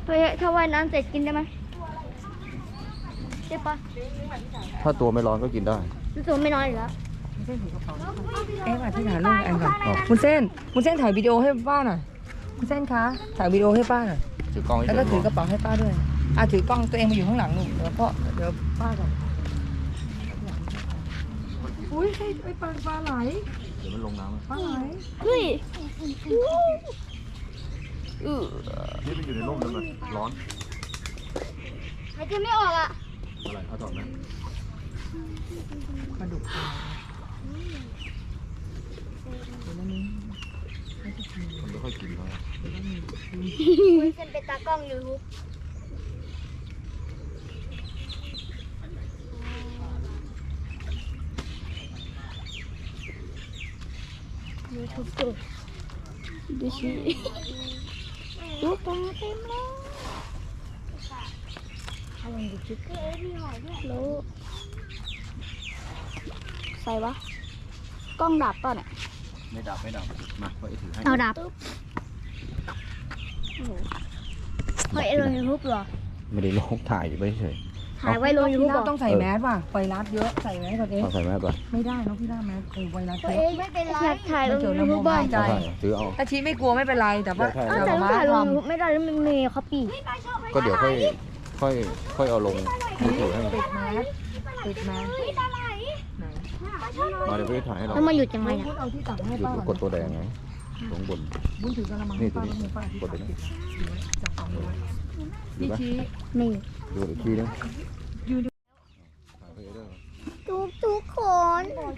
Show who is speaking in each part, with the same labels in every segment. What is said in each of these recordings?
Speaker 1: ถ้าว่ายน้ำเสร็จกินได้ไหมใช่ปะ
Speaker 2: ถ้าตัวไม่ร้อนก็กินได้
Speaker 1: รู้สึกไม่น้อยอยู่แล้ว
Speaker 3: มาที่ฐานลูกแอนก่อนคุณเส้นถ่ายวิดีโอให้ป้าหน่อยคุณเส้นคะถ่ายวิดีโอให้ป้าหน่อย
Speaker 2: ถือกล้องให้
Speaker 3: แล้วก็ถือกระเป๋าให้ป้าด้วยถือกล้องตัวเองมาอยู่ข้างหลังหนูเดี๋ยวป้าก่อนอุ้ยไอ้ปลาไหล
Speaker 2: เดี๋ยวมันลงน้ำ
Speaker 3: ปลาไหล
Speaker 1: เฮ้ย
Speaker 2: นี่มันอยู่ในร่มแล้วมันร้อน
Speaker 1: หายใจไม่ออกอ่ะ
Speaker 2: อะไรเอาถอดไหม
Speaker 3: ปลาดุก
Speaker 2: มันไม่ค่อยกินแล้ว
Speaker 1: คุณเซนเป็นตากล้องยูทูบดูสิดูปลาเต็มเลยอะไรดูชิคเก้มีหอยด้วยรู้ใส่วะกล้องดับป่ะเนี่ย
Speaker 2: ไม่ดับมาไว้ถือให้
Speaker 1: เอาดับเฮ้ยลงยูทูบเหรอ
Speaker 2: ไม่ได้ลงถ่ายอยู่เฉย
Speaker 1: ถ่ายไว้ลงยูทูบเหรอ
Speaker 3: ต้องใส่แมสว่ะไวรัสเยอะใส่แมสก่อนเอง
Speaker 2: เอาใส่แมสก่อน
Speaker 3: ไม่ได้น้องพี่ได้แมสไวรัส
Speaker 1: ตัว
Speaker 3: เย
Speaker 1: เอ
Speaker 3: อะ
Speaker 1: งไม่เป็นไรอยากถ่ายลงยูทูบบ้าง
Speaker 3: ใจ
Speaker 2: ถือเอา
Speaker 3: ถ้าชี้ไม่กลัวไม่เป็นไรแต่ว่า
Speaker 1: อ้าวแต่ต้องถ่ายลงยูทูบไม่ได้แล้วมันมีเขาปี
Speaker 2: ก็เดี๋ยวค่อยเอาลงมือถือให้
Speaker 3: ปิดแมสไหน
Speaker 2: มาเดี๋ยวพี่ถ่ายให้เรา
Speaker 1: แล้วมาหยุดยังไงเนี่ย
Speaker 3: พูดเอาที่ตักให้
Speaker 2: หยุด
Speaker 3: ป้าก
Speaker 2: ดตัวแดงไงลงบน
Speaker 3: บุญถือกระมัง
Speaker 2: นี่
Speaker 3: ให้
Speaker 2: ตัว
Speaker 3: ป้า
Speaker 2: นี้
Speaker 3: แล้วมือป้าที่
Speaker 2: กดไป
Speaker 3: ตัก
Speaker 2: นี่
Speaker 3: จับสองมือ
Speaker 2: ดู
Speaker 3: พี่
Speaker 2: ไหม
Speaker 3: ชี้
Speaker 1: นี่
Speaker 2: ดูอีกทีนึง
Speaker 1: ทุกคน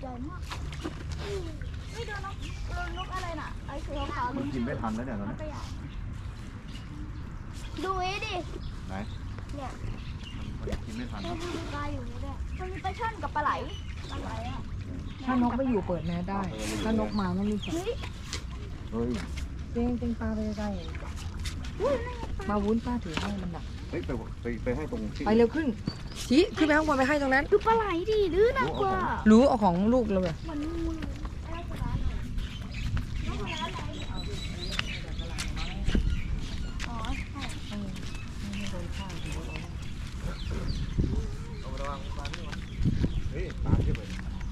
Speaker 2: มันกินไม่ทันแล้วเนี่ยตอนนี้
Speaker 1: ดูไอ้ดิ
Speaker 2: ไหน
Speaker 1: เนี่ย
Speaker 2: มันกินไม่ทัน
Speaker 1: มันมีปลาอยู่นี่ด้วยมันมีปลาช่อนกับปลาไหลอ่ะ
Speaker 3: ถ้านกไม่อยู่เปิดแมสได้ถ้านกมาไม่มีผล
Speaker 1: เฮ้ย
Speaker 2: เฮ้ย
Speaker 3: เต็งปลาไปใกล้ๆมาวุ้นป้าถือให้มันดัก
Speaker 2: เฮ้ยไปให้ตรงที่
Speaker 3: ไปเร็วขึ้นชี้ขึ้นไปข้างบนไปให้ตรงนั้น
Speaker 1: ดูปลาไหลดิดื้อน่ากลัว
Speaker 3: รู้เอาของลูกเราเลย
Speaker 1: มันงูอ๋อใช่
Speaker 2: เฮ้ยตามที่ไป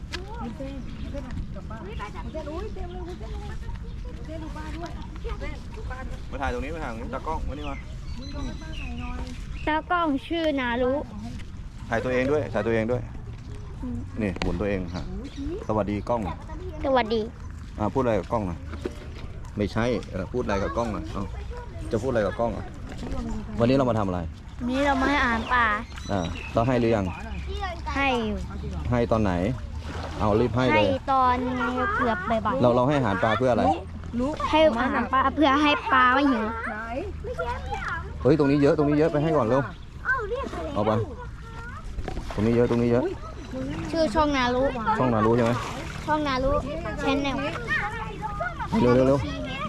Speaker 2: มาถ่ายตรงนี้มาถ่ายตรงนี้ตากล้องมานี่มา
Speaker 1: ตากล้องชื่อนารุ
Speaker 2: ถ่ายตัวเองด้วยถ่ายตัวเองด้วยนี่หมุนตัวเองฮะสวัสดีกล้อง
Speaker 1: สวัสดี
Speaker 2: พูดอะไรกับกล้องหน่อยไม่ใช่พูดอะไรกับกล้องหน่อยจะพูดอะไรกับกล้องวันนี้เรามาทำอะไร
Speaker 1: นี่เรามาให้อาหารปลา
Speaker 2: เราให้หรือยัง
Speaker 1: ให้อยู่
Speaker 2: ให้ตอนไหน เอารีบให้เล
Speaker 1: ให้
Speaker 2: ย
Speaker 1: ตอนเกือบบ่าย
Speaker 2: เราให้อาหารปลาเพื่ออะไร
Speaker 3: รู้
Speaker 1: ๆให้อาหารปลาเพื่อให้ปลาไม่หิว
Speaker 3: ไหน
Speaker 2: เฮ้ยตรงนี้เยอะไปให้ก่อนเร็วเอาไปตรงนี้เยอะ
Speaker 1: ชื่อช่องนารุ
Speaker 2: ช่องนารู้ใช่ไหม
Speaker 1: ช่องนารุแชนแนล
Speaker 2: เร็ว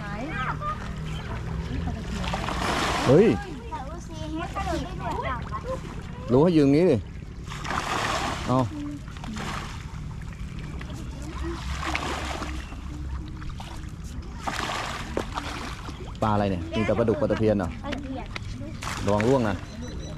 Speaker 2: เฮ้ยรู้ให้ยืนงี้ดิเอาปลาอะไรเนี่ยมีแต่ปลาดุกปลาตะเพียนเหรอระวังร่วงนะ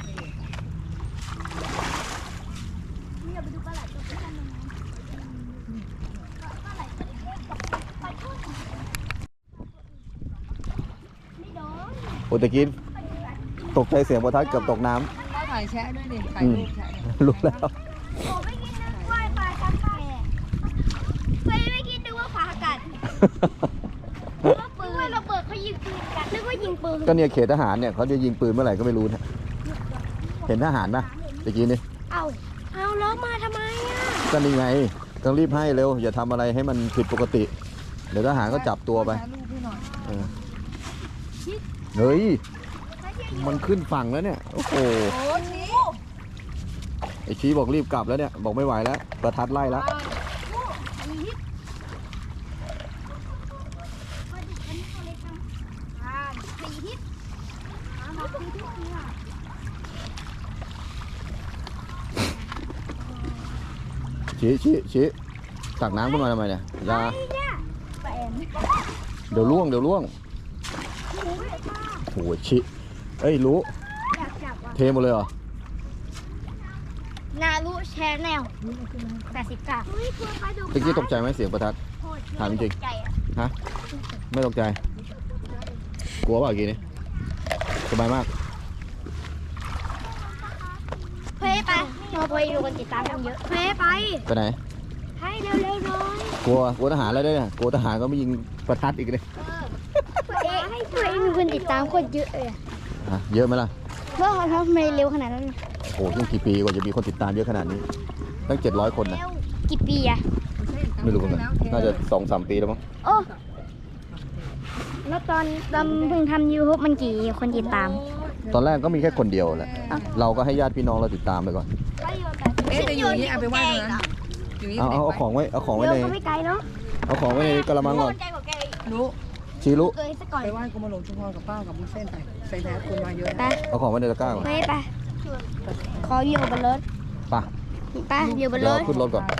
Speaker 2: โอ้ตะกี้ตกใจเสียงประทัดเกือบตกน้
Speaker 3: ป้าถ่ายแชะด้วยดิถ่ายรูปแชะ
Speaker 2: ำรู้แล้ว
Speaker 1: ผมไม่คิดนึกว่าปลาชักแก่ไม่คิดนึกว่าปลากัดนึกว่าปืนระเบิดเขายิงปืนกันนึกว่ายิงปืน
Speaker 2: ก็เนี่ยเขตทหารเนี่ยเขาจะยิงปืนเมื่อไหร่ก็ไม่รู้นะเห็นทหารปะตะกี้นี่
Speaker 1: เอาแล้วมาทำไมอ่ะ
Speaker 2: ก็นี่ไงต้องรีบให้เร็วอย่าทำอะไรให้มันผิดปกติเดี๋ยวทหารก็จับตัวไป
Speaker 3: ถ่ายรูปให้หน่อย
Speaker 2: เฮ้ยมันขึ้นฝั่งแล้วเนี่ยโอ้โห
Speaker 3: โอ้ชี้
Speaker 2: ไอชี้บอกรีบกลับแล้วเนี่ยบอกไม่ไหวแล้วประทัดไล่แล้วชี้ตักน้ำขึ้นมาทำไมเนี่ยอยาเดี๋ยวล่วงโอ้โหชี้เอ้ยรู้
Speaker 1: อยากจับว่ะ
Speaker 2: เทหมดเลยเหรอ
Speaker 1: นารุแชร์แนล80 กะ
Speaker 2: ตะกี้ตกใจไหมเสียงประทัด ถามจริง
Speaker 1: ใจอะ
Speaker 2: ฮะ ไม่ตกใจ กลัวเปล่าเมื่อกี้นี้สบายมาก
Speaker 1: เฮ้ยไปเราไปดูคนติดตามกันเยอะเฮ้ยไป
Speaker 2: ไปไหน
Speaker 1: ให้เร็วๆหน่อย
Speaker 2: กลัวทหารแล้วด้วยเนี่ยกลัวทหารก็ไม่ยิงประทัดอีกเลย
Speaker 1: ให้ช่วยมีคนติดตามคนเยอะเลยอะ
Speaker 2: ฮะเยอะไหมล่ะ
Speaker 1: เมื่อเขาทำไมเร็วขนาดนั้น
Speaker 2: โอ้โหตั้งกี่ปีกว่าจะมีคนติดตามเยอะขนาดนี้ ตั้ง700 คนนะ
Speaker 1: กี่ปีอะ
Speaker 2: ไม่รู้เหมือนกันน่าจะ2-3 ปีแล้วมั้ง
Speaker 1: โอ้แล้วตอนเพิ่งทำ YouTube มันกี่คนติดตาม
Speaker 2: ตอนแรกก็มีแค่คนเดียวแหละ เราก็ให้ญาติพี่น้องเราติดตามไปก่อน
Speaker 3: เอ๊ะแต่อยู่อย่างนี้เอาไปไหว้ตรงนั้นอยู่นี่
Speaker 2: เอาของไว้ เอาของไว้
Speaker 1: เร็ว
Speaker 2: ใน
Speaker 1: ก็ไม่ไกลเนาะ
Speaker 2: เอาของไว้ในกระมังก่อน
Speaker 1: ใจกว่าแก
Speaker 3: รู้
Speaker 2: ชีรุ
Speaker 1: เกยซะก่อน
Speaker 3: ไปไหว้กรมหลวงชุมพรกับป้ากับมุ้นเส้นไปใส่แพ้คนมาเยอะ
Speaker 1: ไป
Speaker 2: เอาของไว้ในตะกร้าก่อน
Speaker 1: เฮ้ยไปขออยู่บนรถ
Speaker 2: ไป
Speaker 1: ไปอยู่บน
Speaker 2: เดี๋
Speaker 1: ร
Speaker 2: ยว
Speaker 1: ถ
Speaker 2: ขึ้นรถก่อน